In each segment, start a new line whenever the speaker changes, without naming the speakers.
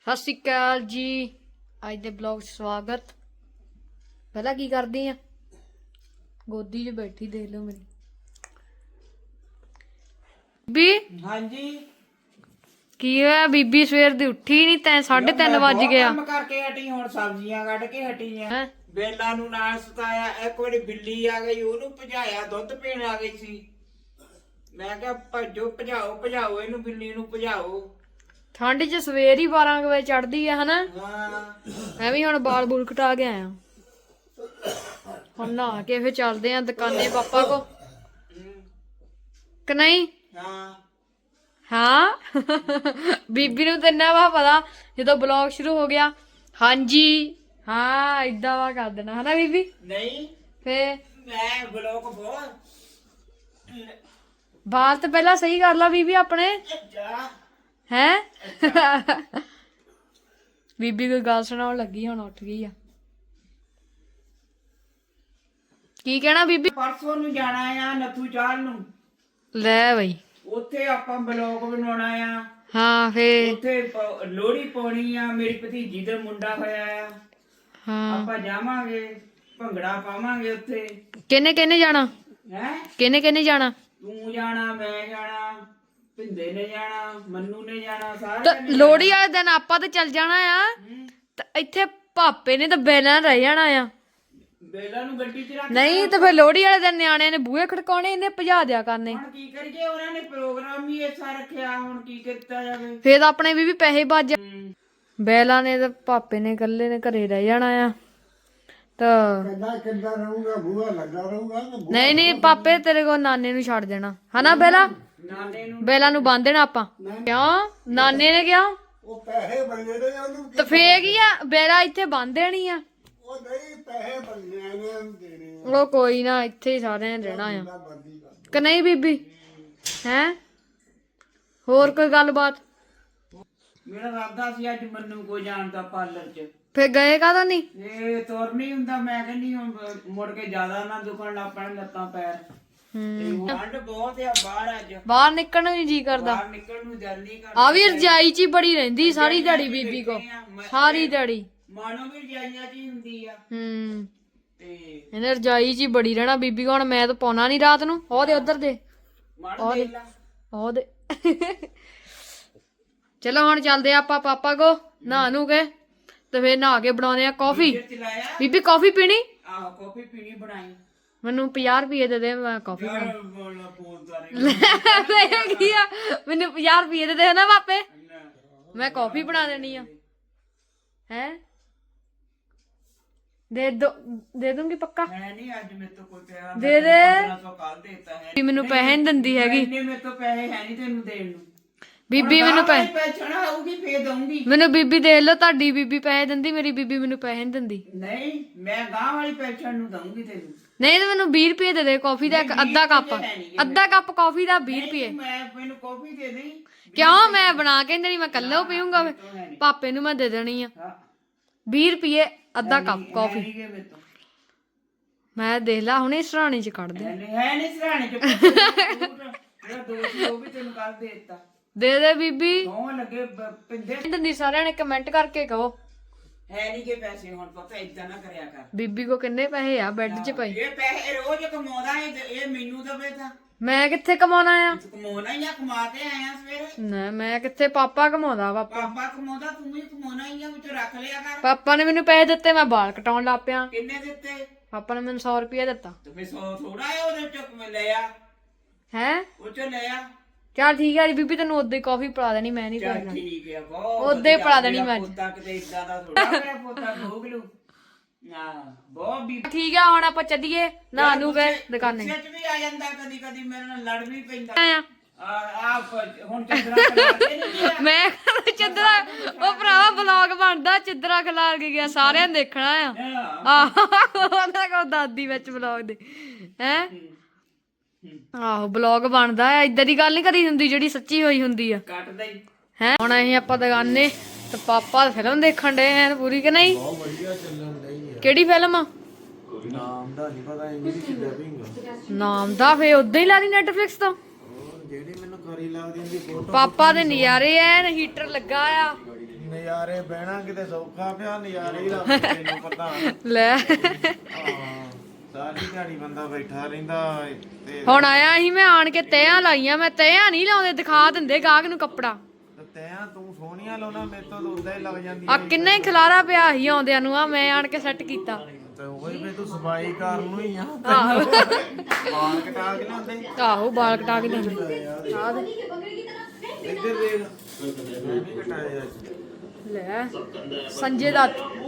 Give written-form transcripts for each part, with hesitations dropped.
ਸਤਿ ਸ਼੍ਰੀ ਅਕਾਲ ਜੀ। ਅੱਜ ਦੇ ਬਲੌਗ 'ਚ ਸਵਾਗਤ। ਪਹਿਲਾਂ ਕੀ ਕਰਦੀ ਆ? ਗੋਦੀ 'ਚ ਬੈਠੀ ਦੇਖ ਲਓ ਮੇਰੀ ਬੀਬੀ।
ਹਾਂਜੀ
ਕੀ ਹੋਇਆ ਬੀਬੀ? ਸਵੇਰ ਦੀ ਉੱਠੀ ਨਹੀਂ ਤੈਂ? 3:30 ਵੱਜ ਗਿਆ।
ਕੰਮ ਕਰਕੇ ਹਟੀ, ਹੁਣ ਸਬਜ਼ੀਆਂ ਕੱਢ ਕੇ ਹਟੀ ਆ।
ਹੈਂ?
ਬੇਲਾ ਨੂੰ ਨਾਲ ਸੁਤਾਇਆ। ਇੱਕ ਵਾਰੀ ਬਿੱਲੀ ਆ ਗਈ, ਉਹਨੂੰ ਭਜਾਇਆ, ਦੁੱਧ ਪੀਣ ਆ ਗਈ ਸੀ। ਮੈਂ ਕਿਹਾ ਭੱਜੋ, ਭਜਾਓ ਇਹਨੂੰ, ਬਿੱਲੀ ਨੂੰ ਭਜਾਓ।
ਠੰਡ 'ਚ ਸਵੇਰ ਹੀ 12 ਵਜੇ ਚੜਦੀ ਆ ਹਨਾ।
ਹਾਂ
ਮੈਂ ਵੀ ਹੁਣ ਬਾਲ ਬੂਲ ਕਟਾ ਕੇ ਆਇਆ। ਹੁਣ ਨਹਾ ਕੇ ਫਿਰ ਚੱਲਦੇ ਆ ਦੁਕਾਨੇ ਪਾਪਾ ਕੋ ਕਿ ਨਹੀਂ?
ਹਾਂ
ਹਾਂ ਬੀਬੀ ਨੂੰ ਤੇ ਇੰਨਾ ਵਾ ਪਤਾ ਜਦੋਂ ਬਲੌਗ ਸ਼ੁਰੂ ਹੋ ਗਿਆ। ਹਾਂਜੀ ਹਾਂ ਇਦਾਂ ਵਾ ਕਰ ਦੇਣਾ ਹਨਾ ਬੀਬੀ?
ਨਹੀਂ
ਫੇ
ਮੈਂ ਬਲੋਕ ਬਹੁਤ
ਬਾਲ ਤਾਂ ਪਹਿਲਾਂ ਸਹੀ ਕਰ ਲਾ ਬੀਬੀ ਆਪਣੇ
ਜਾ
ਹੈ। ਬੀਬੀ ਕੋਈ ਗੱਲ ਸੁਣਾਉਣ ਲੱਗੀ, ਹੁਣ ਉੱਠ ਗਈ ਆ। ਕੀ ਕਹਿਣਾ ਬੀਬੀ?
ਪਰਸੋਂ ਨੂੰ ਜਾਣਾ ਆ ਨੱਥੂ ਚਾਲ ਨੂੰ।
ਲੈ ਬਈ
ਉੱਥੇ ਆਪਾਂ ਬਲੋਕ ਬਣਾਉਣਾ ਆ।
ਹਾਂ ਫੇ
ਉੱਥੇ ਲੋਹੜੀ ਪਾਉਣੀ ਆ। ਮੇਰੀ ਭਤੀਜੀ ਦਾ ਮੁੰਡਾ ਹੋਇਆ ਆ।
ਹਾਂ
ਆਪਾਂ ਜਾਵਾਂਗੇ, ਭੰਗੜਾ ਪਾਵਾਂਗੇ ਉੱਥੇ।
ਕਿਹਨੇ ਕਿਹਨੇ ਜਾਣਾ?
ਹੈ
ਕਿਹਨੇ ਜਾਣਾ?
ਤੂੰ ਜਾਣਾ, ਮੈਂ ਜਾਣਾ, ਭਿੰਦੇ ਨੇ ਜਾਣਾ, ਮੰਨੂ ਨੇ ਜਾਣਾ,
ਤਾਂ
ਸਾਰਿਆਂ ਨੇ
ਲੋਹੜੀ ਵਾਲੇ ਦਿਨ ਆਪਾਂ ਤੇ ਚੱਲ ਜਾਣਾ ਆ।
ਹੂੰ।
ਤਾਂ ਇੱਥੇ ਪਾਪੇ ਨੇ ਤਾਂ ਬੈਲਾਂ ਰਹਿ ਜਾਣਾ ਆ।
ਬੇਲਾ ਨੂੰ ਗੱਡੀ 'ਚ ਰੱਖ।
ਨਹੀਂ ਤੇ ਫਿਰ ਲੋਹੜੀ ਵਾਲੇ ਦਿਨ ਨਿਆਣਿਆਂ ਨੇ ਬੂਹੇ ਖੜਕਾਉਣੇ, ਇਹਨੇ ਭਜਾ ਦਿਆ ਕਰਨੇ।
ਹੁਣ ਕੀ ਕਰੀਏ, ਉਹਨਾਂ ਨੇ ਪ੍ਰੋਗਰਾਮ ਹੀ ਐਸਾ ਰੱਖਿਆ, ਹੁਣ ਕੀ ਕੀਤਾ ਜਾਵੇ।
ਫੇਰ ਤਾਂ ਆਪਣੇ ਵੀ ਪੈਸੇ ਬਚ ਜਾ।
ਹੂੰ।
ਬੈਲਾਂ ਨੇ ਤੇ ਪਾਪੇ ਨੇ ਇਕੱਲੇ ਨੇ ਘਰੇ ਰਹਿ ਜਾਣਾ ਆ। ਤਾਂ
ਕਿੱਦਾਂ ਰਹੂਗਾ? ਬੂਹਾ ਲੱਗਾ ਰਹੂਗਾ।
ਨਹੀਂ ਨਹੀਂ ਪਾਪੇ ਤੇਰੇ ਕੋਲ ਨਾਨੇ ਨੂੰ ਛੱਡ ਦੇਣਾ ਹਨਾ। ਬੈਲਾ
ਨਾਨੇ ਨੂੰ
ਬੈਲਾਂ ਨੂੰ ਬੰਨ ਦੇਣਾ ਆਪਾਂ। ਕਿਉਂ? ਨਾਨੇ ਨੇ ਕਿਹਾ
ਉਹ ਪੈਸੇ ਬੰਦੇ ਨੇ ਉਹਨੂੰ।
ਤਾਂ ਫੇਰ ਕੀ ਆ, ਬੈਲਾ ਇੱਥੇ ਬੰਨ ਦੇਣੀ ਆ।
ਉਹ ਨਹੀਂ, ਪੈਸੇ ਬੰਦੇ ਨੇ ਉਹਨੂੰ ਦੇਣੇ
ਉਹ ਕੋਈ ਨਾ, ਇੱਥੇ ਹੀ ਸਾਰਿਆਂ ਨੇ ਰਹਿਣਾ ਆ
ਆ। ਬੰਦੀ ਕਰ।
ਕਿ ਨਹੀਂ ਬੀਬੀ? ਹੈ ਹੋਰ ਕੋਈ ਗੱਲਬਾਤ?
ਮੇਰਾ ਇਰਾਦਾ ਸੀ ਅੱਜ ਮੰਨੂ ਕੋ ਜਾਣ ਦਾ ਪਾਰਲਰ 'ਚ।
ਫੇਰ ਗਏ ਕਾਹਦਾ ਨਹੀਂ?
ਇਹ ਤੁਰ ਨਹੀਂ ਹੁੰਦਾ। ਮੈਂ ਕਹਿੰਦੀ ਹੁਣ ਮੁੜ ਕੇ ਜ਼ਿਆਦਾ ਨਾ ਦੁਖਣ ਲੱਗ ਪੈਣ ਲੱਤਾਂ ਪੈਰ। ਤੇ ਠੰਡ ਬਹੁਤ ਆ ਬਾਹਰ ਅੱਜ।
ਬਾਹਰ ਨਿਕਲਣ ਨੂੰ ਨੀ ਜੀ ਕਰਦਾ।
ਬਾਹਰ ਨਿਕਲਣ ਨੂੰ ਦਿਲ ਨਹੀਂ ਕਰਦਾ।
ਆ ਵੀ ਰਜਾਈ ਚ ਹੀ ਬੜੀ ਰਹਿੰਦੀ ਸਾਰੀ ਦਿਹਾੜੀ ਬੀਬੀ ਕੋ, ਸਾਰੀ ਦਿਹਾੜੀ।
ਮਾਨੋ ਵੀ ਰਜਾਈਆਂ 'ਚ ਹੀ ਹੁੰਦੀ ਆ। ਤੇ
ਇਹਨੇ ਰਜਾਈ ਚ ਹੀ ਬੜੀ ਰਹਿਣਾ ਬੀਬੀ ਕੋ। ਹੁਣ ਮੈਂ ਤਾਂ ਪਾਉਣਾ ਨੀ ਰਾਤ ਨੂੰ। ਉਹਦੇ ਉਧਰ ਦੇ
ਮੜ ਦੇ ਲਾ।
ਉਹਦੇ ਚਲੋ ਹੁਣ ਚੱਲਦੇ ਆ ਆਪਾਂ ਪਾਪਾ ਕੋ ਨਹਾ ਨੂੰ ਕੇ, ਤੇ ਫੇਰ ਨਹਾ ਕੇ ਬਣਾਉਣੇ ਆ ਕਾਫੀ।
ਚਲਾਇਆ
ਬੀਬੀ ਕਾਫੀ ਪੀਣੀ?
ਆਹ ਕਾਫੀ ਪੀਣੀ ਬਣਾਈ।
ਮੈਨੂੰ 50 ਰੁਪਏ ਦੇ ਦੇ, ਮੈਂ ਕਾਫੀ ਬਣਾ।
ਯਾਰ ਬੋਲਣਾ ਬੋਲਦਾ ਨਹੀਂ।
ਕੀ ਆ, ਮੈਨੂੰ 50 ਰੁਪਏ ਦੇ ਦੇ ਨਾ ਪਾਪੇ, ਮੈਂ ਕਾਫੀ ਬਣਾ ਦੇਣੀ ਆ। ਹੈ ਦੇ ਦੂੰਗੀ ਪੱਕਾ।
ਹੈ ਨਹੀਂ ਅੱਜ ਮੇਰੇ ਤੋਂ ਕੋਈ ਪਿਆ।
ਦੇ ਦੇ।
1500 ਕੱਲ ਦੇਤਾ ਹੈ।
ਮੈਨੂੰ ਪੈਸੇ ਨਹੀਂ ਦਿੰਦੀ ਹੈਗੀ
ਇੰਨੇ ਮੇਰੇ ਤੋਂ ਪੈਸੇ ਹੈ ਨਹੀਂ ਤੈਨੂੰ ਦੇਣ ਨੂੰ।
ਬੀਬੀ। ਮੈਨੂੰ ਪੈਸੇ
ਪੈਸਾ ਆਊਗੀ ਫੇਰ ਦਊਂਗੀ।
ਮੈਨੂੰ ਬੀਬੀ ਦੇਖ ਲਓ, ਤੁਹਾਡੀ ਬੀਬੀ ਪੈਸੇ ਦਿੰਦੀ, ਮੇਰੀ ਬੀਬੀ ਮੈਨੂੰ ਪੈਸੇ ਨਹੀਂ ਦਿੰਦੀ।
ਨਹੀਂ ਮੈਂ ਗਾਂ ਵਾਲੀ ਪੈਨਸ਼ਨ ਨੂੰ ਦਊਂਗੀ ਤੈਨੂੰ।
ਨਹੀਂ ਤੇ ਮੈਨੂੰ 20 ਰੁਪਏ ਦੇ ਦੇ ਕਾਫੀ ਦਾ, ਇੱਕ ਅੱਧਾ ਕੱਪ। ਅੱਧਾ ਕੱਪ ਕਾਫੀ ਦਾ 20 ਰੁਪਏ।
ਮੈਨੂੰ ਕਾਫੀ ਦੇ ਦੇ।
ਕਿਉਂ? ਮੈਂ ਬਣਾ ਕੇ ਨਹੀਂ, ਮੈਂ ਕੱਲਾ ਪੀਊਂਗਾ। ਪਾਪੇ ਨੂੰ ਮੈਂ ਦੇ ਦੇਣੀ ਆ 20 ਰੁਪਏ ਅੱਧਾ ਕੱਪ ਕਾਫੀ। ਮੈਂ ਦੇਖ ਲਾ ਹੁਣੇ ਸਰਾਣੇ ਚ ਕੱਢ ਦੇ।
ਹੈ ਨਹੀਂ ਸਰਾਣੇ ਚ ਜਿਹੜਾ ਦੋਸਤ ਉਹ ਵੀ ਤੈਨੂੰ ਕੱਲ ਦੇਤਾ।
ਦੇ ਦੇ ਬੀਬੀ।
ਦੋਵਾਂ ਲੱਗੇ ਪਿੰਦੇ।
ਦਿੰਦੀ ਸਾਰਿਆਂ ਨੇ ਕਮੈਂਟ ਕਰਕੇ ਕਹੋ।
ਹੈ ਨਹੀਂ ਕਿ ਪੈਸੇ ਹੁਣ ਪਤਾ ਇਦਾਂ ਨਾ ਕਰਿਆ ਕਰ।
ਬੀਬੀ ਕੋ ਕਿੰਨੇ ਪੈਸੇ ਆ ਬੈੱਡ 'ਚ ਪਏ?
ਇਹ ਪੈਸੇ ਰੋਜ਼ ਕਮਾਉਂਦਾ ਹੈ, ਇਹ ਮੈਨੂੰ ਦਵੇ ਤਾਂ
ਮੈਂ ਕਿੱਥੇ ਕਮਾਉਣਾ ਆ?
ਕਮਾਉਣਾ ਹੀ ਆ, ਕਮਾ ਕੇ ਆਇਆ ਸਵੇਰੇ।
ਨਾ ਮੈਂ ਕਿੱਥੇ, ਪਾਪਾ ਕਮਾਉਂਦਾ। ਪਾਪਾ
ਪਾਪਾ ਕਮਾਉਂਦਾ, ਤੂੰ ਵੀ ਕਮਾਉਣਾ ਹੀ ਆ, ਵਿੱਚ ਰੱਖ ਲਿਆ ਕਰ।
ਪਾਪਾ ਨੇ ਮੈਨੂੰ ਪੈਸੇ ਦਿੱਤੇ, ਮੈਂ ਵਾਲ ਕਟਾਉਣ ਲੱਗ ਪਿਆ।
ਕਿੰਨੇ ਦਿੱਤੇ?
ਪਾਪਾ ਨੇ ਮੈਨੂੰ 100 ਰੁਪਏ ਦਿੱਤਾ।
ਤੇ ਫੇ 100 ਥੋੜਾ ਹੈ, ਉਹਦੇ ਚੋਂ ਲਿਆ,
ਹੈ
ਉਹ ਚੋਂ ਲਿਆ।
ਚੱਲ ਠੀਕ ਆ ਬੀਬੀ, ਤੈਨੂੰ ਉਦੋਂ ਹੀ ਕਾਫੀ ਪਿਲਾ ਦੇਣੀ, ਮੈਂ ਨਹੀਂ
ਚੱਲ
ਪੀਣਾ।
ਠੀਕ ਆ, ਬਹੁਤ
ਉਦੋਂ ਹੀ ਪਿਲਾ ਦੇਣੀ ਮੈਂ ਅੱਜ।
ਪੋਤਾ ਕਿਤੇ ਇਦਾਂ ਦਾ ਥੋੜਾ ਮੇਰਾ ਪੋਤਾ ਭੋਗ ਲੂ ਨਾ। ਬਹੁਤ ਵੀ
ਠੀਕ ਆ, ਹੁਣ ਆਪਾਂ ਚੱਲੀਏ ਨਾ ਨੂੰ ਗਏ ਦੁਕਾਨੇ।
ਸੱਚ ਵੀ ਆ ਜਾਂਦਾ, ਕਦੀ ਕਦੀ ਮੇਰੇ ਨਾਲ ਲੜ ਵੀ ਪੈਂਦਾ।
ਆ
ਆ ਹੁਣ ਚੰਦਰਾ ਖਲਾਤੇ ਨਹੀਂ ਆ।
ਮੈਂ ਚਿੱਦਰਾ, ਉਹ ਭਰਾਵਾ ਬਲੌਗ ਬਣਦਾ, ਚਿੱਦਰਾ ਖਿਲਾਰ ਕੇ ਗਿਆ, ਸਾਰਿਆਂ ਨੇ ਦੇਖਣਾ ਆ। ਉਹਨਾਂ ਕੋਲ ਦਾਦੀ ਵਿੱਚ ਬਲੌਗ ਦੇ ਹੈ। ਆਹੋ ਬਲੌਗ ਬਣਦਾ ਆ, ਏਦਾਂ ਦੀ ਗੱਲ ਨਹੀਂ ਕਰੀ ਹੁੰਦੀ ਜਿਹੜੀ ਸੱਚੀ ਹੋਈ ਹੁੰਦੀ ਆ।
ਕੱਟਦਾ ਹੀ
ਹੈ ਹੁਣ ਅਸੀਂ ਆਪਾਂ ਦੁਕਾਨੇ ਤੇ ਪਾਪਾ ਫਿਲਮ ਦੇਖਣ ਡਏ ਆ ਪੂਰੀ ਕਿ ਨਹੀਂ?
ਬਹੁਤ ਵਧੀਆ ਚੱਲਣ ਡਈ ਆ।
ਕਿਹੜੀ ਫਿਲਮ ਆ?
ਨਾਮ ਦਾ ਨਹੀਂ ਪਤਾ, ਇੰਗਲਿਸ਼ ਡਬਿੰਗ।
ਨਾਮ ਦਾ ਫੇ ਉਦਾਂ ਹੀ ਲਾ ਦੀ ਨੈਟਫਲਿਕਸ ਤੋਂ।
ਜਿਹੜੀ ਮੈਨੂੰ ਖਰੀ ਲੱਗਦੀ ਹੁੰਦੀ ਫੋਟੋ।
ਪਾਪਾ ਦੇ ਨਜ਼ਾਰੇ ਐ, ਹੀਟਰ ਲੱਗਾ ਆ।
ਨਜ਼ਾਰੇ ਨਜ਼ਾਰੇ ਬਹਿਣਾ ਕਿਤੇ ਸੌਖਾ ਪਿਆ ਨਜ਼ਾਰੇ ਹੀ ਰੱਬ ਤੈਨੂੰ ਪਤਾ
ਲੈ
ਹਾਂ ਸਾਰੀ ਦਿਹਾੜੀ ਬੰਦਾ ਬੈਠਾ ਰਹਿੰਦਾ ਤੇ
ਹੁਣ ਆਇਆ ਸੀ ਮੈਂ ਆਣ ਕੇ ਤਹਿਆਂ ਲਾਈਆਂ ਮੈਂ ਤਹਿਆਂ ਨਹੀਂ ਲਾਉਂਦੇ ਦਿਖਾ ਦਿੰਦੇ ਗਾਹਕ ਨੂੰ ਕੱਪੜਾ
ਤੈਂ ਤੂੰ ਸੋਹਣੀਆਂ ਲਾਉਣਾ ਮੇਰੇ ਤੋਂ ਤਾਂ ਉਦਾਂ ਹੀ ਲੱਗ ਜਾਂਦੀ
ਆ ਕਿੰਨਾ ਹੀ ਖਲਾਰਾ ਪਿਆ ਸੀ ਆਉਂਦਿਆਂ ਨੂੰ ਆ ਮੈਂ ਆਣ ਕੇ ਸੈੱਟ ਕੀਤਾ
ਤੇ ਉਹੀ ਵੀ ਤੂੰ ਸਫਾਈ ਕਰਨ ਨੂੰ ਹੀ ਆ
ਆਹੋ
ਬਾਲ ਕਟਾ ਕੇ ਲਿਆਉਂਦੇ
ਆਹੋ ਬਾਲ ਕਟਾ ਕੇ ਲਿਆਂਦੇ ਆ ਦੇ
ਇੱਧਰ ਦੇਖ ਮੈਂ ਵੀ ਕਟਾਇਆ ਅੱਜ
ਲੈ ਸੰਜੇ ਦਾ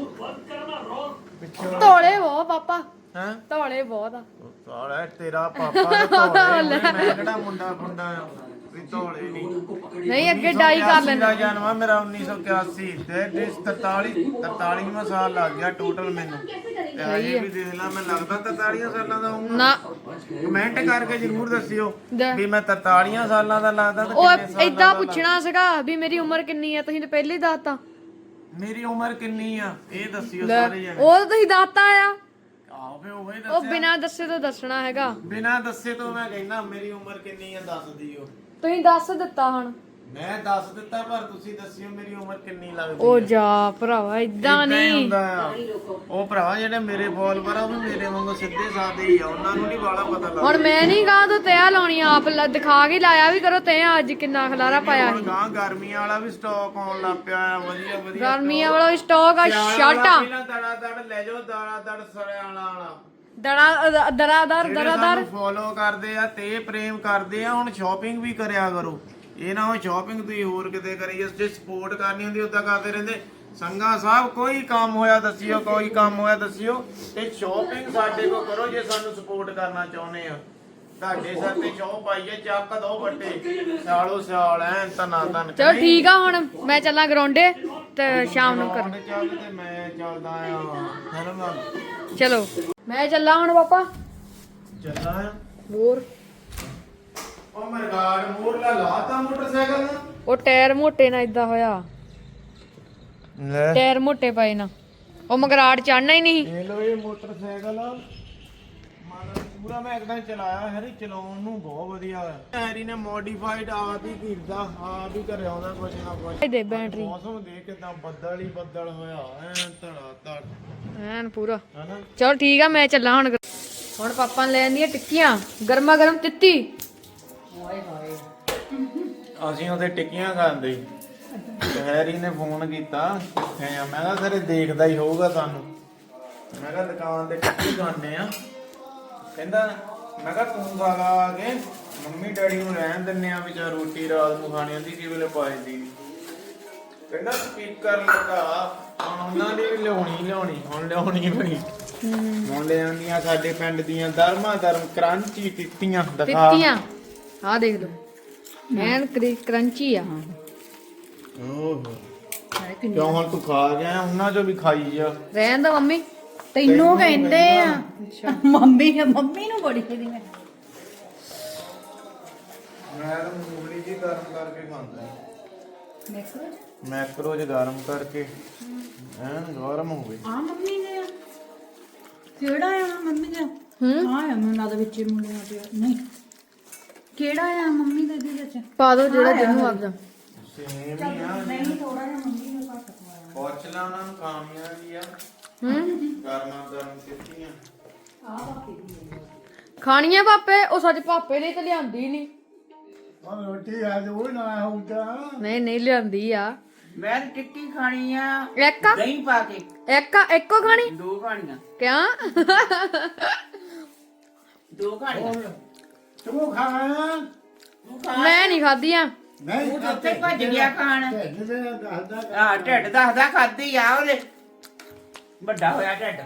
ਪਿੱਛੋਂ
ਧੋਲੇ ਬਹੁਤ ਪਾਪਾ
ਹੈਂ
ਧੋਲੇ ਬਹੁਤ ਆ
ਸਾਲਾ ਤੇਰਾ ਪਾਪਾ ਤੇ ਧੋਲੇ ਮੈਂ ਕਿਹੜਾ ਮੁੰਡਾ ਫੁੰਡਾ ਆ ਵੀ ਧੋਲੇ ਨਹੀਂ
ਨਹੀਂ ਅੱਗੇ ਡਾਈ ਕਰ ਲੈਂਦੇ
ਦਾ ਜਨਮ ਆ ਮੇਰਾ 1981 ਤੇ 43ਵਾਂ ਸਾਲ ਲੱਗ ਗਿਆ ਟੋਟਲ ਮੈਨੂੰ ਤੇ ਅਜੇ ਵੀ ਦੇਖ ਲਾ ਮੈਂ ਲੱਗਦਾ 43 ਸਾਲਾਂ ਦਾ ਹੋਊਂਗਾ
ਨਾ
ਕਮੈਂਟ ਕਰਕੇ ਜਰੂਰ ਦੱਸਿਓ
ਦੇ।
ਵੀ ਮੈਂ 43 ਸਾਲਾਂ ਦਾ ਲੱਗਦਾ ਤੇ
ਉਹ
ਕਿੰਨੇ ਸਾਲਾਂ
ਏਦਾਂ
ਦਾ
ਪੁੱਛਣਾ ਸੀਗਾ ਵੀ ਮੇਰੀ ਉਮਰ ਕਿੰਨੀ ਆ ਤੁਸੀਂ ਤਾਂ ਪਹਿਲੇ ਹੀ ਦੱਸਤਾ
ਮੇਰੀ ਉਮਰ ਕਿੰਨੀ ਆ ਇਹ ਦੱਸਿਓ
ਲੈ,
ਸਾਰੇ ਜਣੇ
ਉਹ ਤਾਂ ਤੁਸੀਂ ਦੱਸਤਾ ਆ
ਆਹੋ ਫੇ ਉਹੀ
ਉਹ
ਦੱਸਿਆ
ਬਿਨਾਂ ਦੱਸੇ ਤੋਂ ਦੱਸਣਾ ਹੈਗਾ
ਬਿਨਾਂ ਦੱਸੇ ਤੋਂ ਮੈਂ ਕਹਿੰਦਾ ਮੇਰੀ ਉਮਰ ਕਿੰਨੀ ਆ ਦੱਸ ਦਿਓ
ਤੁਸੀਂ ਦੱਸ ਦਿੱਤਾ ਹੁਣ
ਮੈਂ ਦੱਸ ਦਿੱਤਾ ਪਰ ਤੁਸੀਂ ਦੱਸਿਓ ਮੇਰੀ ਉਮਰ ਕਿੰਨੀ ਲੱਗਦੀ
ਉਹ
ਆ
ਜਾ ਭਰਾਵਾ ਏਦਾਂ
ਏਦਾਂ ਹੀ
ਨਹੀਂ
ਹੁੰਦਾ ਆ। ਉਹ ਭਰਾਵਾ ਜਿਹੜੇ ਮੇਰੇ ਫੋਲੋਵਰ ਆ ਉਹ ਵੀ ਮੇਰੇ ਵਾਂਗੂ ਸਿੱਧੇ ਸਾਦੇ ਹੀ ਆ ਉਹਨਾਂ ਨੂੰ ਨਹੀਂ ਬਾਲਾ ਪਤਾ ਲੱਗਦਾ
ਹੁਣ ਮੈਂ ਨਹੀਂ ਕਹਾਂ ਤੂੰ ਤਿਆ ਲਾਉਣੀ ਆਪ ਦਿਖਾ ਕੇ ਲਾਇਆ ਵੀ ਕਰੋ ਤੇ ਅੱਜ ਕਿੰਨਾ ਖਲਾਰਾ ਪਾਇਆ
ਹੁਣ
ਸੀ
ਗਾਂ ਗਰਮੀਆਂ ਵਾਲਾ ਵੀ ਸਟਾਕ ਆਉਣ ਲੱਗ ਪਿਆ ਆ ਵਧੀਆ ਵਧੀਆ
ਗਰਮੀਆਂ ਵਾਲਾ ਸਟਾਕ ਆ ਸ਼ਰਟਾਂ
ਪਹਿਲਾਂ ਦੜਾ ਦੜ ਲੈ ਜਾਓ ਦੜਾ ਦੜ ਸਰਿਆਲਾ ਵਾਲਾ
ਦਰਾਦਰ
ਜਿਹੜੇ
ਦਰਾਦਰ
ਸਾਨੂੰ ਫੋਲੋ ਕਰਦੇ ਆ ਤੇ ਪ੍ਰੇਮ ਕਰਦੇ ਆ ਹੁਣ ਸ਼ਾਪਿੰਗ ਵੀ ਕਰਿਆ ਕਰੋ ਇਹ ਨਾ ਹੋ ਸ਼ਾਪਿੰਗ ਤੁਸੀਂ ਹੋਰ ਕਿਤੇ ਕਰੀ ਜੇ ਸਪੋਰਟ ਕਰਨੀ ਹੁੰਦੀ ਉਦਾਂ ਕਰਦੇ ਰਹਿੰਦੇ ਸੰਗਾ ਸਾਹਿਬ ਕੋਈ ਕੰਮ ਹੋਇਆ ਦੱਸਿਓ ਕੋਈ ਕੰਮ ਹੋਇਆ ਦੱਸਿਓ ਤੇ ਸ਼ਾਪਿੰਗ ਸਾਡੇ ਕੋ ਕਰੋ ਜੇ ਸਾਨੂੰ ਸਪੋਰਟ ਕਰਨਾ ਚਾਹੁੰਦੇ ਆ ਤੁਹਾਡੇ ਸਿਰ ਤੇ ਚੌ ਪਾਈਏ ਚੱਕ ਦੋ ਵੱਟੇ ਸਾਲੋ ਸਾਲ ਐ ਤਨਾ ਤਨ
ਚਲੋ ਠੀਕ ਆ ਹੁਣ ਮੈਂ ਚੱਲਾਂ ਗਰਾਉਂਡੇ ਤੇ ਸ਼ਾਮ ਨੂੰ ਕਰ
ਚੱਲ ਤੇ ਮੈਂ ਚੱਲਦਾ ਆ ਹਨਾ
ਚਲੋ ਮੈਂ ਚੱਲਾਂ ਹੁਣ ਪਾਪਾ
ਚੱਲਦਾ ਆ
ਹੋਰ
ਉਹ ਮਰਗਾੜ ਮੋੜ ਲਾ ਲਾਤਾ ਮੋਟਰਸਾਈਕਲ ਨੂੰ
ਉਹ ਟਾਇਰ ਮੋਟੇ ਨਾ ਇਦਾਂ ਹੋਇਆ
ਲੈ
ਟਾਇਰ ਮੋਟੇ ਪਏ ਨਾ ਉਹ ਮਗਰਾੜ ਚੜਨਾ ਹੀ ਨਹੀਂ
ਇਹ ਲੋ ਇਹ ਮੋਟਰਸਾਈਕਲ ਪੂਰਾ ਮੈਂ ਇੱਕਦਮ ਚਲਾਇਆ ਹੈਰੀ ਚਲਾਉਣ ਨੂੰ ਬਹੁਤ ਵਧੀਆ ਹੋਇਆ ਹੈਰੀ ਨੇ ਮੋਡੀਫਾਈਡ ਆਪ ਹੀ ਕੀਤਾ ਆਪ ਹੀ ਕਰਿਆ ਉਹਦਾ ਕੁਝ ਨਾ ਕੁਝ
ਦੇ ਬੈਟਰੀ
ਮੌਸਮ ਦੇਖ ਕਿਦਾਂ ਬੱਦਲ ਹੀ ਬੱਦਲ ਹੋਇਆ ਐ ਧੜਾ ਧੜ
ਐਨ ਪੂਰਾ
ਹਨਾ
ਚਲੋ ਠੀਕ ਆ ਮੈਂ ਚੱਲਾਂ ਹੁਣ ਪਾਪਾ ਨੇ ਲੈ ਆਂਦੀਆਂ ਟਿੱਕੀਆਂ ਗਰਮਾ ਗਰਮ ਤਿੱਤੀ
ਅਸੀਂ ਉਹਦੇ ਟਿੱਕੀਆਂ ਖਾਂਦੇ ਤੇ ਹੈਰੀ ਨੇ ਫੋਨ ਕੀਤਾ ਮੈਂ ਕਿਹਾ ਸਾਰੇ ਦੇਖਦਾ ਹੀ ਹੋਊਗਾ ਸਾਨੂੰ ਮੈਂ ਕਿਹਾ ਦੁਕਾਨ ਤੇ ਟਿੱਕੀ ਖਾਂਦੇ ਆ ਕਹਿੰਦਾ ਮੈਂ ਕਿਹਾ ਤੂੰ ਖਾ ਲਾ ਆ ਕੇ ਮੰਮੀ ਡੈਡੀ ਨੂੰ ਰਹਿਣ ਦਿੰਨੇ ਆ ਵਿਚਾਰ ਰੋਟੀ ਰਾਤ ਨੂੰ ਖਾਣੀ ਹੁੰਦੀ ਕੀ ਵੇਲੇ ਪਾਈ ਦੀ ਕਹਿੰਦਾ ਸਪੀਕਰ ਲਗਾ ਹੁਣ ਉਹਨਾਂ ਦੀ ਵੀ ਲਿਆਉਣੀ ਹੁਣ ਲਿਆਉਣੀ ਪਈ ਹੁਣ ਲੈ ਆਉਂਦੀਆਂ ਸਾਡੇ ਪਿੰਡ ਦੀਆਂ ਧਰਮਾਂ ਕਰੰਚੀ ਟਿੱਕੀਆਂ ਦਿਖਾ
ਤਿੱਤੀਆਂ ਆ ਦੇਖ ਲਓ ਐਨ ਕਰੰਚੀ ਆ
ਓਹੋ ਕਿਉਂ ਹੁਣ ਤੂੰ ਖਾ ਗਿਆ ਉਹਨਾਂ ਚੋਂ ਵੀ ਖਾਈ ਜਾ
ਰਹਿਣ ਦੋ ਮੰਮੀ
ਤੈਨੂੰ ਕਹਿੰਦੇ ਆ ਮੰਮੀ ਨੂੰ ਬੜੀ ਖੇਦੀ ਮੈਂ
ਤਾਂ ਮੂੰਗਲੀ ਜੀ ਗਰਮ ਕਰਕੇ ਖਾਂਦਾ
ਦੇਖੋ
ਮੈਕਰੋ ਚ ਗਰਮ ਕਰਕੇ ਐਨ ਗਰਮ ਹੋਵੇ
ਆ ਮੰਮੀ ਨੇ ਕਿਹੜਾ ਆ ਮੰਮੀ ਦਾ ਆ ਮੈਨੂੰ ਦਾ ਵਿੱਚ ਮੁੰਡਿਆਂ ਤੇ ਨਹੀਂ ਕਿਹੜਾ ਆ ਮੰਮੀ ਦੇ ਵਿੱਚ
ਪਾ ਦੋ ਜਿਹੜਾ ਜਿਹਨੂੰ ਆਪਦਾ
ਸੇਮ ਹੀ ਆ
ਨਹੀਂ ਥੋੜਾ ਜਿਹਾ ਮੰਮੀ ਨੂੰ ਘੱਟ ਪਾਇਆ
ਪੁੱਛ ਲਾ ਉਹਨਾਂ ਨੂੰ ਖਾਣੀਆਂ ਵੀ ਆ ਗਰਮ ਟਿੱਕੀਆਂ
ਆ ਬਾਕੀ ਦੀ
ਖਾਣੀਆਂ ਪਾਪੇ ਉਹ ਸੱਚ ਪਾਪੇ ਨੇ ਤਾਂ ਲਿਆਂਦੀ ਨਹੀਂ
ਉਹ ਰੋਟੀ ਆ ਜੋ ਨਾ ਹੋਊਗਾ
ਨਹੀਂ ਨਹੀਂ ਲਿਆਂਦੀ ਆ
ਮੈਂ ਟਿੱਕੀ ਖਾਣੀ ਆ
ਇੱਕ ਆ?
ਦਹੀਂ ਪਾ ਕੇ
ਇੱਕੋ ਖਾਣੀ
ਦੋ ਖਾਣੀਆਂ
ਕਿਉਂ
ਦੋ ਖਾਣੀਆਂ
ਤੂੰ ਖਾਣਾ
ਤੂੰ ਖਾ
ਮੈਂ ਨਹੀਂ ਖਾਧੀਆਂ
ਨਹੀਂ
ਤੂੰ ਤਾਂ ਉੱਥੇ ਭੱਜ ਗਿਆ ਖਾਣ
ਦੱਸਦਾ
ਆ ਢਿੱਡ ਦੱਸਦਾ ਖਾਧੀ ਆ ਉਹਦੇ ਵੱਡਾ ਹੋਇਆ ਢਿੱਡ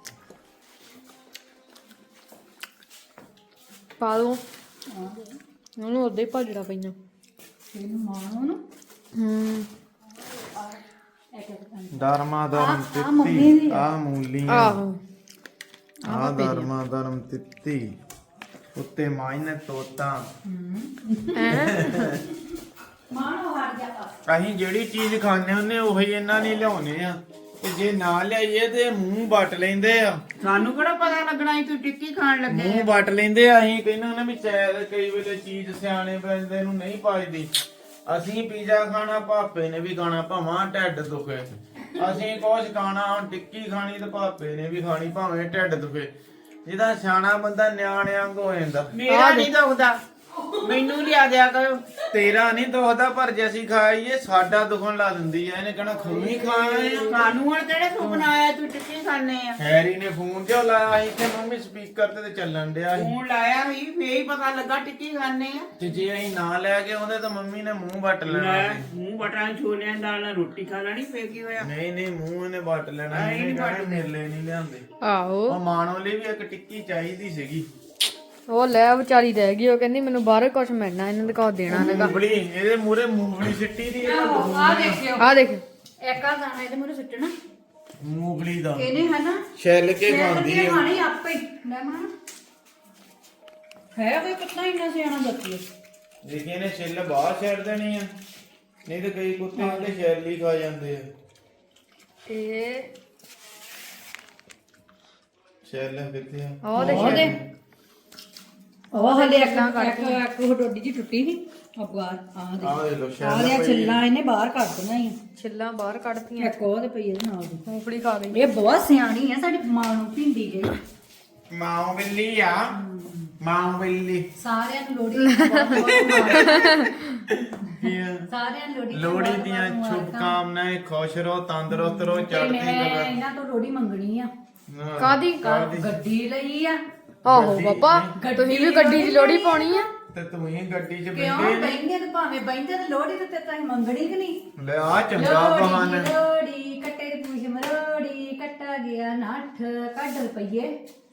ਪਾ ਦੋ ਉਹਨੂੰ ਉਦਾਂ ਹੀ ਭੱਜੜਾ ਪਈਆਂ
ਇਹਨੂੰ ਮਾਣੋ ਨੂੰ
ਧਰਮਾ ਧਰਮ ਤਿੱਤੀ ਆ ਮੂਲੀਆਂ
ਆਹੋ
ਆ ਧਰਮਾ ਧਰਮ ਤਿੱਤੀ ਉੱਤੇ ਮਾਇਨੇ ਤੋਤਾ
ਮਾਣੋ ਹਟ ਜਾ
ਅਸੀਂ ਜਿਹੜੀ ਚੀਜ਼ ਖਾਂਦੇ ਹੁੰਨੇ ਉਹੀ ਇਹਨਾਂ ਨੇ ਲਿਆਉਨੇ ਆ ਤੇ ਜੇ ਨਾ ਲਿਆਈਏ ਤੇ ਮੂੰਹ ਵੱਟ ਲੈਂਦੇ ਆ
ਸਾਨੂੰ ਕਿਹੜਾ ਪਤਾ ਲੱਗਣਾ ਸੀ ਤੂੰ ਟਿੱਕੀ ਖਾਣ ਲੱਗੇ
ਮੂੰਹ ਵੱਟ ਲੈਂਦੇ ਆ ਅਸੀਂ ਕਹਿੰਦੇ ਹੁੰਨੇ ਵੀ ਸ਼ਾਇਦ ਕਈ ਵੇਲੇ ਚੀਜ਼ ਸਿਆਣੇ ਬੰਦੇ ਨੂੰ ਨਹੀਂ ਪਾਈਦੀ ਅਸੀਂ ਪੀਜ਼ਾ ਖਾਣਾ, ਭਾਪੇ ਨੇ ਵੀ ਖਾਣਾ, ਭਾਵਾਂ ਢਿੱਡ ਦੁਖੇ। ਅਸੀਂ ਕੁਛ ਖਾਣਾ, ਹੁਣ ਟਿੱਕੀ ਖਾਣੀ ਤੇ ਭਾਪੇ ਨੇ ਵੀ ਖਾਣੀ ਭਾਵੇਂ ਢਿੱਡ ਦੁਖੇ। ਜਿਹਦਾ ਸਿਆਣਾ ਬੰਦਾ ਨਿਆਣਿਆਂ ਵਾਂਗ ਹੋ ਜਾਂਦਾ।
ਮੇਰਾ ਨਹੀਂ ਦੁਖਦਾ, ਮੈਨੂੰ ਲਿਆ ਦਿਆ ਕਰੋ।
ਤੇਰਾ ਨਹੀਂ ਦੁਖਦਾ, ਪਰ ਜੇ ਅਸੀਂ ਖਾਈਏ ਸਾਡਾ ਦੁਖਣ ਲਾ ਦਿੰਦੀ ਐ। ਇਹਨੇ ਕਹਿਣਾ ਖੂਨੀ ਖਾਏ ਆ।
ਸਾਨੂੰ ਹੁਣ ਕਿਹੜੇ ਸੁਪਨਾ ਆਇਆ ਤੂੰ ਟਿੱਕੀ ਖਾਣੇ ਆ?
ਹੈਰੀ ਨੇ ਫੋਨ ਜਿਹਾ ਲਾਇਆ ਸੀ ਤੇ ਮੰਮੀ ਸਪੀਕਰ ਤੇ ਚੱਲਣ ਡਿਆ ਸੀ।
ਫੋਨ ਲਾਇਆ ਸੀ ਫੇਰ ਹੀ ਪਤਾ ਲੱਗਾ ਟਿੱਕੀ ਖਾਣੇ ਆ।
ਤੇ ਜੇ ਅਸੀਂ ਨਾ ਲੈ ਕੇ ਆਉਂਦੇ ਤਾਂ ਮੰਮੀ ਨੇ ਮੂੰਹ ਵੱਟ ਲੈਣਾ ਸੀ।
ਮੂੰਹ ਬਟਾਂ ਛੋਲਿਆਂ ਦੀ ਦਾਲ ਨਾਲ ਰੋਟੀ ਖਾ ਲੈਣੀ, ਫੇਰ ਕੀ ਹੋਇਆ?
ਨਹੀਂ ਮੂੰਹ ਇਹਨੇ ਵੱਟ ਲੈਣਾ। ਇਹਨੇ ਕਹਿਣਾ ਮੇਲੇ ਨਹੀਂ ਲਿਆਂਦੇ।
ਆਹੋ
ਉਹ ਮਾਣੋ ਲਈ ਵੀ ਇੱਕ ਟਿੱਕੀ ਚਾਹੀਦੀ ਸੀਗੀ।
ਉਹ ਲੈ ਵਿਚਾਰੀ ਰਹਿ ਗਈ, ਉਹ ਕਹਿੰਦੀ ਮੈਨੂੰ ਬਾਹਰ ਕੁਝ ਮਿਲਣਾ, ਇਹਨਾਂ ਦੇ ਕੋਲ ਦੇਣਾ ਨਹੀਂਗਾ।
ਮੂੰਗਫਲੀ ਇਹਦੇ ਮੂਰੇ ਮੂੰਗਫਲੀ ਸਿੱਟੀ ਦੀ
ਆ ਦੇਖਿਓ,
ਆ ਦੇਖ
ਇੱਕ ਆ ਦਾਣਾ ਇਹਦੇ ਮੂਰੇ ਸੁੱਟਣਾ,
ਮੂੰਗਫਲੀ ਦਾ
ਇਹਨੇ ਹਨਾ
ਛਿੱਲ ਕੇ ਖਾਂਦੀ ਹੈ।
ਖਾਣੀ ਆਪੇ ਹੀ। ਲੈ ਮਾਂ ਹੈ ਕੋਈ ਕਿੰਨਾ ਇੰਨਾ ਸਿਆਣਾ ਬੱਚੀ।
ਦੇਖੀ ਇਹਨੇ ਛਿੱਲ ਬਾਹਰ ਛੱਡ ਦੇਣੀ ਆ, ਨਹੀਂ ਤੇ ਕਈ ਕੁੱਤੇ ਹੁੰਦੇ ਛਿੱਲ ਹੀ ਖਾ ਜਾਂਦੇ ਆ।
ਇਹ
ਛਿੱਲ ਕਿੱਥੇ ਆ?
ਉਹ ਦੇਖ
ਉਹ ਹਲੇ ਇੱਕ ਡੋਡੀ ਜੀ ਟੁੱਟੀ ਸੀ ਅਬਗਾਰ ਆ ਦੇ।
ਆਹ ਦੇ ਲੋ
ਆ
ਛਿੱਲ
ਲਿਆ ਛਿੱਲਾਂ ਇਹਨੇ ਬਾਹਰ ਕੱਢ ਦੇਣਾ ਹੀ।
ਛਿੱਲਾਂ ਬਾਹਰ ਕੱਢਤੀਆਂ,
ਇੱਕ ਉਹ ਤੇ ਪਈ ਇਹਦੇ ਨਾਲ ਦੀ।
ਮੂੰਗਫਲੀ ਖਾ ਗਈ।
ਇਹ ਬਹੁਤ ਸਿਆਣੀ ਹੈ, ਸਾਡੀ ਮਾਂ ਨੂੰ ਭਿੰਡੀ ਗਈ।
ਮਾਂ ਬਿੱਲੀ ਆ, ਮਾਂ ਬਿੱਲੀ।
ਸਾਰਿਆਂ ਨੂੰ ਲੋਹੜੀ ਸਾਰਿਆਂ ਨੂੰ
ਲੋਹੜੀ ਦੀਆਂ ਸ਼ੁਭਕਾਮਨਾਵਾਂ। ਖੁਸ਼ ਰਹੋ, ਤੰਦਰੁਸਤ ਰਹੋ, ਚੜ੍ਹਦੀ
ਮੈਂ
ਕਲਾ।
ਇਹਨਾਂ ਤੋਂ ਲੋਹੜੀ ਮੰਗਣੀ ਆ।
ਕਾਦੀ
ਗੱਡੀ ਲਈ ਆ।
ਆਹੋ ਪਾਪਾ, ਤੁਸੀਂ ਵੀ ਗੱਡੀ 'ਚ ਲੋਹੜੀ ਪਾਉਣੀ ਆ?
ਤੇ ਤੂੰ ਹੀ ਗੱਡੀ 'ਚ
ਕਿਉਂ
ਬੈਠੇ
ਬੈਂਦੇ ਤੇ ਭਾਵੇਂ ਬੈਂਦੇ ਤੇ ਲੋਹੜੀ ਤੇ ਤਾਂ ਮੰਗਣੀ ਕਿ ਨਹੀਂ?
ਲੈ ਆ ਚੰਗਾ ਬਹਾਨਾ।
ਲੋਹੜੀ ਕੱਟੇ ਦੀ ਪੂਛ ਮਰੋੜੀ, ਕੱਟਾ ਗਿਆ ਨੱਠ, ਕੱਢ ਰੁਪਈਏ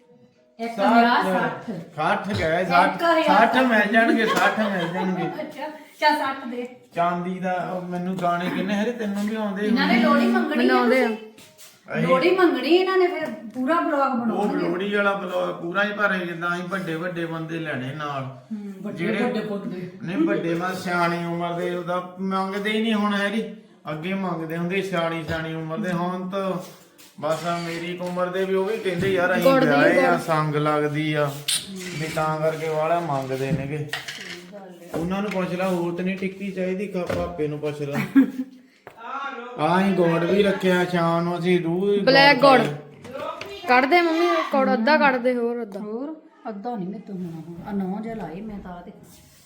150
60 ਗਏ 60 ਮਿਲ ਜਾਣਗੇ, 60 ਮਿਲ ਜਾਣਗੇ।
ਅੱਛਾ ਚਾ 60 ਦੇ।
ਚਾਂਦੀ ਦਾ ਉਹ ਮੈਨੂੰ ਗਾਣੇ ਕਿੰਨੇ ਹਰੇ ਤੈਨੂੰ ਵੀ ਆਉਂਦੇ
ਇਹਨਾਂ ਨੇ ਲੋਹੜੀ ਮੰਗਣੀ
ਬਣਾਉਂਦੇ ਆ।
ਲੋਹੜੀ ਮੰਗਣੀ ਇਹਨਾਂ ਨੇ, ਫਿਰ ਪੂਰਾ ਬਲੌਗ
ਉਹ
ਬਣਾਉਣਗੇ।
ਲੋਹੜੀ ਵਾਲਾ ਬਲੌਗ ਪੂਰਾ ਹੀ ਭਰੇ, ਜਿੱਦਾਂ ਅਸੀਂ ਵੱਡੇ ਵੱਡੇ ਬੰਦੇ ਲੈਣੇ ਨਾਲ।
ਵੱਡੇ ਵੱਡੇ ਬੰਦੇ
ਨਹੀਂ ਵੱਡੇ ਮਾ ਸਿਆਣੀ ਉਮਰ ਦੇ ਉਹਦਾ ਮੰਗਦੇ ਹੀ ਨਹੀਂ ਹੁਣ ਹੈਰੀ। ਅੱਗੇ ਮੰਗਦੇ ਹੁੰਦੇ ਸਿਆਣੀ ਉਮਰ ਦੇ, ਹੁਣ ਤਾਂ ਬਸ ਮੇਰੀ ਉਮਰ ਦੇ ਵੀ ਉਹ ਵੀ ਕਹਿੰਦੇ ਯਾਰ ਅਸੀਂ ਵਿਆਹੇ ਆ, ਸੰਗ ਲੱਗਦੀ ਆ ਵੀ ਤਾਂ ਕਰਕੇ ਵਾਲਾ ਮੰਗਦੇ ਨੇਗੇ। ਉਹਨਾਂ ਨੂੰ ਪੁੱਛ ਲਾ ਹੋਰ ਤੇ ਨਹੀਂ ਟਿੱਕੀ ਚਾਹੀਦੀ, ਭਾਪੇ ਨੂੰ ਪੁੱਛ ਲਾ। ਆਹੀਂ ਗੁੜ ਵੀ ਰੱਖਿਆ ਸ਼ਾਮ ਨੂੰ, ਅਸੀਂ ਰੂਹ
ਬਲੈਕ ਗੁੜ ਕੱਢ ਦੇ ਮੰਮੀ, ਗੁੜ ਅੱਧਾ ਕੱਢ ਦੇ, ਹੋਰ ਅੱਧਾ।
ਹੋਰ ਅੱਧਾ ਨਹੀਂ ਮੈਂ ਤੂੰ ਹੁਣ ਆ 9 ਜਿਹਾ ਲਾਏ ਮੈਂ ਤਾਂ ਤੇ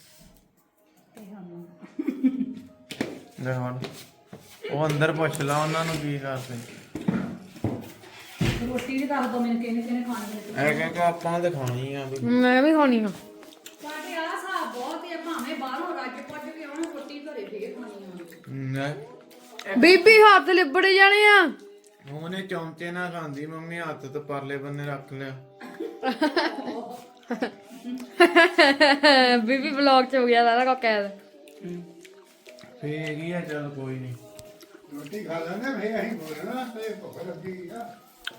ਲੈ ਹੁਣ ਉਹ ਅੰਦਰ ਪੁੱਛ ਲਾ ਉਹਨਾਂ ਨੂੰ ਕੀ ਕਰਦੇ।
ਰੋਟੀ ਵੀ ਦੱਸ ਦੋ ਮੈਨੂੰ ਕਿਹਨੇ ਖਾਣੀ ਹੈ।
ਇਹ ਕਿ ਆਪਾਂ ਤੇ ਖਾਣੀ ਆ ਵੀ।
ਮੈਂ ਵੀ ਖਾਣੀ ਆ।
ਸਾਡੇ ਆ ਹਿਸਾਬ ਬਹੁਤ ਹੈ, ਭਾਵੇਂ ਬਾਹਰੋਂ ਰੱਜ ਪੁੱਜ ਕੇ ਆਉਣ ਰੋਟੀ ਘਰੇ ਫੇਰ ਖਾਣੀ ਆ।
ਬੀਬੀ ਹੱਥ ਲਿਬੜ ਜਾਣੇ ਆ।
ਉਹਨੇ ਚਮਚੇ ਨਾਲ ਖਾਂਦੀ, ਮੰਮੀ ਹੱਥ ਤੇ ਪਰਲੇ ਬੰਨੇ ਰੱਖ ਲਿਆ।
ਬੀਬੀ ਵਲੌਗ 'ਚ ਹੋ ਗਿਆ ਸਾਰਾ ਕੁਝ ਕੈਦ।
ਫੇਰ ਕੀ ਆ, ਚੱਲ ਕੋਈ ਨਹੀਂ।
ਰੋਟੀ ਖਾ ਲੈਂਦੇ ਫੇਰ ਅਸੀਂ ਬੋਲਣਾ ਤੇ ਭੁੱਖ ਲੱਗੀ ਆ।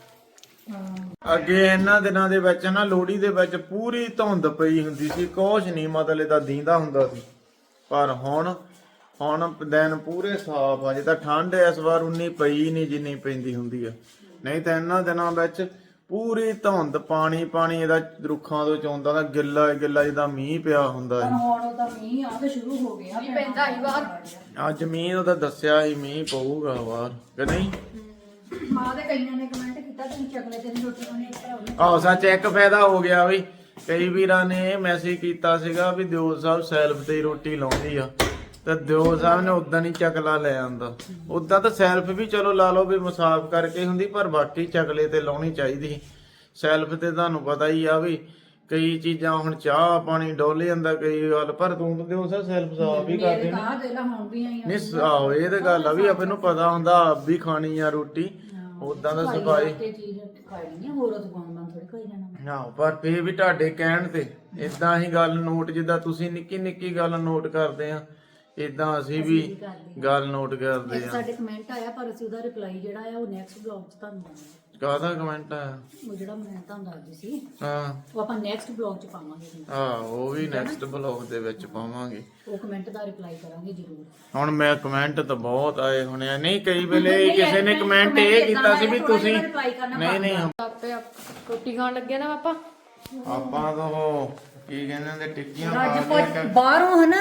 ਅੱਗੇ ਇਹਨਾਂ ਦਿਨਾਂ ਦੇ ਵਿੱਚ ਨਾ ਲੋਹੜੀ ਦੇ ਵਿੱਚ ਪੂਰੀ ਧੁੰਦ ਪਈ ਹੁੰਦੀ ਸੀ, ਕੁਛ ਨਹੀਂ ਮਤਲਬ ਇਹਦਾ ਦੀਂਦਾ ਹੁੰਦਾ ਸੀ। ਪਰ ਹੁਣ ਦਿਨ ਪੂਰੇ ਸਾਫ ਆ। ਜੇ ਤਾਂ ਠੰਡ ਇਸ ਵਾਰ ਉਨੀ ਪਈ ਨਹੀਂ ਜਿੰਨੀ ਪੈਂਦੀ ਹੁੰਦੀ ਆ, ਨਹੀਂ ਤਾਂ ਇਹਨਾਂ ਦਿਨਾਂ ਵਿੱਚ ਪੂਰੀ ਧੁੰਦ, ਪਾਣੀ ਇਹਦਾ ਰੁੱਖਾਂ ਤੋਂ ਚੋਂਦਾ ਦਾ ਗਿੱਲਾ ਜਿੱਦਾਂ ਮੀਂਹ ਪਿਆ ਹੁੰਦਾ ਹੈ।
ਹੁਣ ਉਹਦਾ ਮੀਂਹ ਆ ਤੇ ਸ਼ੁਰੂ ਹੋ ਗਿਆ ਪੈਂਦਾ ਹੀ ਬਾਹਰ।
ਅੱਜ ਮੀਂਹ ਉਹਦਾ ਦੱਸਿਆ ਸੀ ਮੀਂਹ ਪਊਗਾ ਬਾਹਰ ਕਿ ਨਹੀਂ।
ਮਾਂ ਦੇ ਕਈਆਂ ਨੇ ਕਮੈਂਟ ਕੀਤਾ ਤੁਸੀਂ ਚਕਲੇ ਤੇ ਰੋਟੀ ਖਾਣੀ ਭਰਾਓ।
ਆਹ ਸੱਚ ਇੱਕ ਫਾਇਦਾ ਹੋ ਗਿਆ ਵੀ, ਕਈ ਵੀਰਾਂ ਨੇ ਮੈਸੇਜ ਕੀਤਾ ਸੀਗਾ ਵੀ ਦਿਓ ਸਾਹਿਬ ਸੈਲਫ ਤੇ ਹੀ ਰੋਟੀ ਲਾਉਂਦੀ ਆ, ਤੇ ਦਿਓ ਸਾਹਿਬ ਨੇ ਉਦਾਂ ਨਹੀਂ ਚਕਲਾ ਲੈ ਆਂਦਾ। ਉਦਾਂ ਤਾਂ ਸੈਲਫ ਵੀ ਚਲੋ ਲਾ ਲਓ ਵੀ ਮੁਸਾਫ ਕਰਕੇ ਹੁੰਦੀ, ਪਰ ਬਾਕੀ ਚਕਲੇ ਤੇ ਲਾਉਣੀ ਚਾਹੀਦੀ। ਸੈਲਫ ਤੇ ਤੁਹਾਨੂੰ ਪਤਾ ਹੀ ਆ ਵੀ ਕਈ ਚੀਜ਼ਾਂ ਹੁਣ ਚਾਹ ਪਾਣੀ ਡੋਲੇ ਜਾਂਦਾ ਕਈ ਗੱਲ, ਪਰ ਤੂੰ ਤਾਂ ਦਿਓ ਸਾਹਿਬ ਸੈਲਫ ਸਾਫ ਵੀ ਕਰਦੇ
ਤਾਂ ਦੇ ਲਾ ਹੁਣ ਵੀ ਆਈ
ਨਹੀਂ। ਆਹੋ ਇਹ ਤੇ ਗੱਲ ਆ ਵੀ ਆਪਾਂ ਨੂੰ ਪਤਾ ਹੁੰਦਾ ਆਪ ਵੀ ਖਾਣੀ ਆ ਰੋਟੀ, ਉਦਾਂ ਦਾ ਸਫਾਈ।
ਤੇ ਚੀਜ਼ ਖਾਣੀ ਹੈ, ਹੋਰ ਦੁਕਾਨ ਥੋੜੀ ਖਾਈ ਜਾਣਾ।
ਹਾਂ ਪਰ ਫੇਰ ਵੀ ਤੁਹਾਡੇ ਕਹਿਣ ਤੇ ਇਦਾਂ ਹੀ ਗੱਲ ਨੋਟ, ਜਿੱਦਾਂ ਤੁਸੀਂ ਨਿੱਕੀ ਨਿੱਕੀ ਗੱਲ ਨੋਟ ਕਰਦੇ ਆ, ਇਦਾਂ ਅਸੀਂ ਵੀ ਗੱਲ ਨੋਟ ਕਰਦੇ ਆ।
ਸਾਡੇ ਕਮੈਂਟ ਆਇਆ ਪਰ ਅਸੀਂ ਉਹਦਾ ਰਿਪਲਾਈ ਜਿਹੜਾ ਆ ਉਹ ਨੈਕਸਟ ਬਲੌਗ 'ਚ ਤੁਹਾਨੂੰ ਦਵਾਂਗੇ।
ਕਾਹਦਾ ਕਮੈਂਟ ਆਇਆ?
ਉਹ ਜਿਹੜਾ ਮੈਂ ਤੁਹਾਨੂੰ ਦੱਸਦੀ ਸੀ
ਹਾਂ
ਉਹ ਆਪਾਂ ਨੈਕਸਟ ਬਲੌਗ 'ਚ ਪਾਵਾਂਗੇ।
ਹਾਂ ਉਹ ਵੀ ਨੈਕਸਟ ਬਲੌਗ ਦੇ ਵਿੱਚ ਪਾਵਾਂਗੇ।
ਉਹ ਕਮੈਂਟ ਦਾ ਰਿਪਲਾਈ ਕਰਾਂਗੇ ਜ਼ਰੂਰ।
ਹੁਣ ਮੈਂ ਕਮੈਂਟ ਤਾਂ ਬਹੁਤ ਆਏ ਹੋਣੇ ਆ, ਨਹੀਂ ਕਈ ਵੇਲੇ ਕਿਸੇ ਨੇ ਕਮੈਂਟ ਇਹ ਕੀਤਾ ਸੀ ਵੀ ਤੁਸੀਂ ਨਹੀਂ
ਆਪੇ ਰੋਟੀ ਖਾਣ ਲੱਗੇ ਨਾ ਪਾਪਾ।
ਆਪਾਂ ਤਾਂ ਉਹ ਕੀ ਕਹਿੰਦੇ ਹੁੰਦੇ ਟਿੱਕੀਆਂ
ਰੱਜ
ਪਾ
ਪੁੱਜ
ਕੇ
ਬਾਹਰੋਂ ਹਨਾ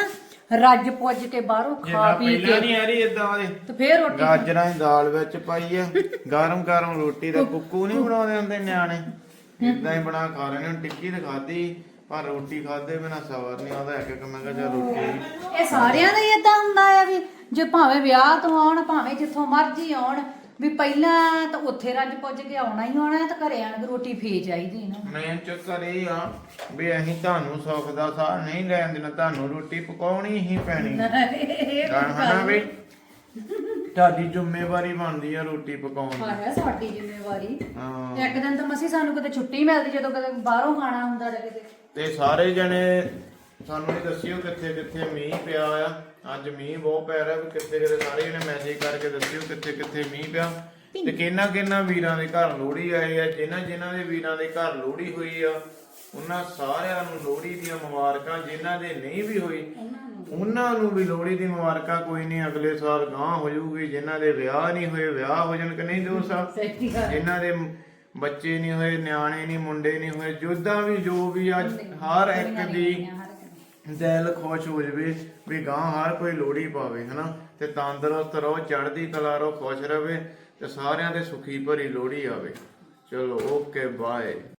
ਰੱਜ ਪੁੱਜ ਕੇ ਬਾਹਰੋਂ ਖਾ
ਜਿੱਦਾਂ
ਪੀ
ਪਹਿਲਾਂ
ਕੇ
ਨਹੀਂ ਆ ਰਹੀ ਇਦਾਂ ਦੇ
ਤੇ ਫੇਰ ਰੋਟੀ
ਗਾਜਰਾਂ ਦੀ ਦਾਲ ਵਿੱਚ ਪਾਈ ਆ ਗਰਮ ਗਰਮ ਰੋਟੀ ਦਾ ਕੁੱਕੂ ਨਹੀਂ ਬਣਾਉਂਦੇ ਹੁੰਦੇ ਨਿਆਣੇ ਇਦਾਂ ਹੀ ਬਣਾ ਖਾ ਰਹੇ ਨੇ। ਟਿੱਕੀ ਤਾਂ ਖਾਧੀ ਪਰ ਰੋਟੀ ਖਾਦੇ ਬਿਨਾ ਸਬਰ ਨਹੀਂ ਆਉਂਦਾ। ਇੱਕ ਮੈਂ ਕਿਹਾ ਚੱਲ ਰੋਟੀ
ਇਹ ਸਾਰਿਆਂ ਦਾ ਹੀ ਏਦਾਂ ਹੁੰਦਾ ਆ ਵੀ ਜੇ ਭਾਵੇਂ ਵਿਆਹ ਤੋਂ ਆਉਣ ਭਾਵੇਂ ਜਿੱਥੋਂ ਮਰਜ਼ੀ ਆਉਣ ਵੀ ਪਹਿਲਾਂ ਤਾਂ ਉੱਥੇ ਰੱਜ ਪੁੱਜ ਕੇ ਆਉਣਾ ਹੀ ਆਉਣਾ ਤੇ ਘਰੇ ਆਣ ਕੇ ਰੋਟੀ ਫੇ ਚਾਹੀਦੀ ਨਾ।
ਮੈਂ ਚੱਕਰ ਇਹ ਆ ਵੀ ਅਸੀਂ ਤੁਹਾਨੂੰ ਸੁੱਖ ਦਾ ਸਾਹ ਨਹੀਂ ਲੈਣ ਦੇਣਾ, ਤੁਹਾਨੂੰ ਰੋਟੀ ਪਕਾਉਣੀ ਹੀ ਪੈਣੀ ਹਨਾ ਵੀ ਤੁਹਾਡੀ ਜ਼ਿੰਮੇਵਾਰੀ ਬਣਦੀ ਆ ਰੋਟੀ ਪਕਾਉਣ ਦੀ।
ਹੈ ਸਾਡੀ ਜ਼ਿੰਮੇਵਾਰੀ।
ਹਾਂ
ਇੱਕ ਦਿਨ ਤਾਂ ਮਸੀਂ ਸਾਨੂੰ ਕਿਤੇ ਛੁੱਟੀ ਮਿਲਦੀ ਜਦੋਂ ਕਦੇ ਬਾਹਰੋਂ ਖਾਣਾ ਹੁੰਦਾ ਜਾਂ ਕਿਤੇ।
ਤੇ ਸਾਰੇ ਜਣੇ ਸਾਨੂੰ ਇਹ ਦੱਸਿਓ ਕਿੱਥੇ ਕਿੱਥੇ ਮੀਂਹ ਪਿਆ ਆ। ਅੱਜ ਮੀਂਹ ਬਹੁਤ ਪੈ ਰਿਹਾ ਵੀ ਕਿੱਥੇ ਕਿਤੇ ਸਾਰੇ ਜਣੇ ਮੈਸੇਜ ਕਰਕੇ ਦੱਸਿਓ ਕਿੱਥੇ ਕਿੱਥੇ ਮੀਂਹ ਪਿਆ ਤੇ ਕਿਹਨਾਂ ਵੀਰਾਂ ਦੇ ਘਰ ਲੋਹੜੀ ਆਏ ਆ। ਜਿਨ੍ਹਾਂ ਦੇ ਵੀਰਾਂ ਦੇ ਘਰ ਲੋਹੜੀ ਹੋਈ ਆ ਉਹਨਾਂ ਸਾਰਿਆਂ ਨੂੰ ਲੋਹੜੀ ਦੀਆਂ ਮੁਬਾਰਕਾਂ। ਜਿਨ੍ਹਾਂ ਦੇ ਨਹੀਂ ਵੀ ਹੋਈ ਉਹਨਾਂ ਨੂੰ ਵੀ ਲੋਹੜੀ ਦੀ ਮੁਬਾਰਕਾਂ। ਕੋਈ ਨਹੀਂ ਅਗਲੇ ਸਾਲ ਗਾਂ ਹੋ ਜਾਊਗੀ। ਜਿਨ੍ਹਾਂ ਦੇ ਵਿਆਹ ਨਹੀਂ ਹੋਏ ਵਿਆਹ ਹੋ ਜਾਣ ਕਿ ਨਹੀਂ ਦੋਸਤ। ਜਿਨ੍ਹਾਂ ਦੇ ਬੱਚੇ ਨਹੀਂ ਹੋਏ ਨਿਆਣੇ ਨਹੀਂ ਮੁੰਡੇ ਨਹੀਂ ਹੋਏ ਜਿੱਦਾਂ ਵੀ ਜੋ ਵੀ ਅੱਜ ਹਰ ਇੱਕ ਦੀ ਦਿਲ ਖੁਸ਼ ਹੋ ਜਾਵੇ ਵੀ ਗਾਂ ਹਰ ਕੋਈ ਲੋਹੜੀ ਪਾਵੇ ਹਨਾ ਤੇ ਤੰਦਰੁਸਤ ਰਹੋ ਚੜ੍ਹਦੀ ਕਲਾ ਰਹੋ ਖੁਸ਼ ਰਵੇ ਤੇ ਸਾਰਿਆਂ ਦੇ ਸੁਖੀ ਭਰੀ ਲੋਹੜੀ ਆਵੇ। ਚਲੋ ਓਕੇ ਬਾਏ।